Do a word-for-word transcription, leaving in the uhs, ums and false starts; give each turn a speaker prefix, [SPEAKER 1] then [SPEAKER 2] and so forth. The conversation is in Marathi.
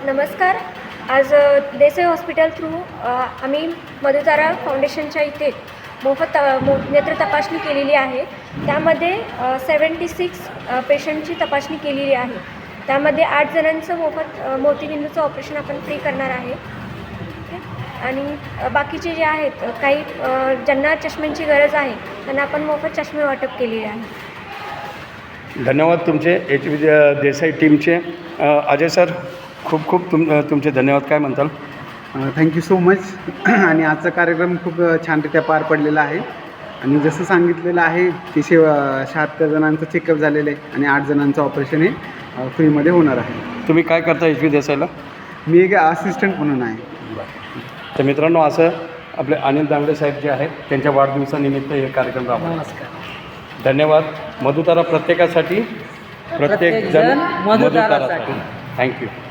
[SPEAKER 1] नमस्कार. आज देसाई हॉस्पिटल थ्रू आम्ही मधुतारा फाउंडेशनच्या इथे मोफत मो नेत्र तपासणी केलेली आहे. त्यामध्ये सेवन्टी सिक्स पेशंटची तपासणी केलेली आहे. त्यामध्ये आठ जणांचं मोफत मोतीबिंदूचं ऑपरेशन आपण फ्री करणार आहे. आणि बाकीचे जे आहेत काही ज्यांना चष्म्यांची गरज आहे त्यांना आपण मोफत चष्मे वाटप केलेले आहे.
[SPEAKER 2] धन्यवाद तुमचे एच व्ही देसाई टीमचे. अजय सर, खूप खूप तुम तुमचे धन्यवाद. काय म्हणताल?
[SPEAKER 3] Thank you so much. आणि आजचा कार्यक्रम खूप छानरित्या पार पडलेला आहे. आणि जसं सांगितलेलं आहे की शे शहात्तर जणांचं चेकअप झालेलं आहे आणि आठ जणांचं ऑपरेशन हे फ्रीमध्ये होणार आहे.
[SPEAKER 2] तुम्ही काय करता एच व्ही देसाईला?
[SPEAKER 3] मी एक असिस्टंट म्हणून आहे.
[SPEAKER 2] तर मित्रांनो, असं आपले अनिल दांगडे साहेब जे आहेत त्यांच्या वाढदिवसानिमित्त हे कार्यक्रम राबवला.
[SPEAKER 4] नमस्कार.
[SPEAKER 2] धन्यवाद. मधुतारा प्रत्येकासाठी, प्रत्येक जण मधुतारासाठी. थँक्यू.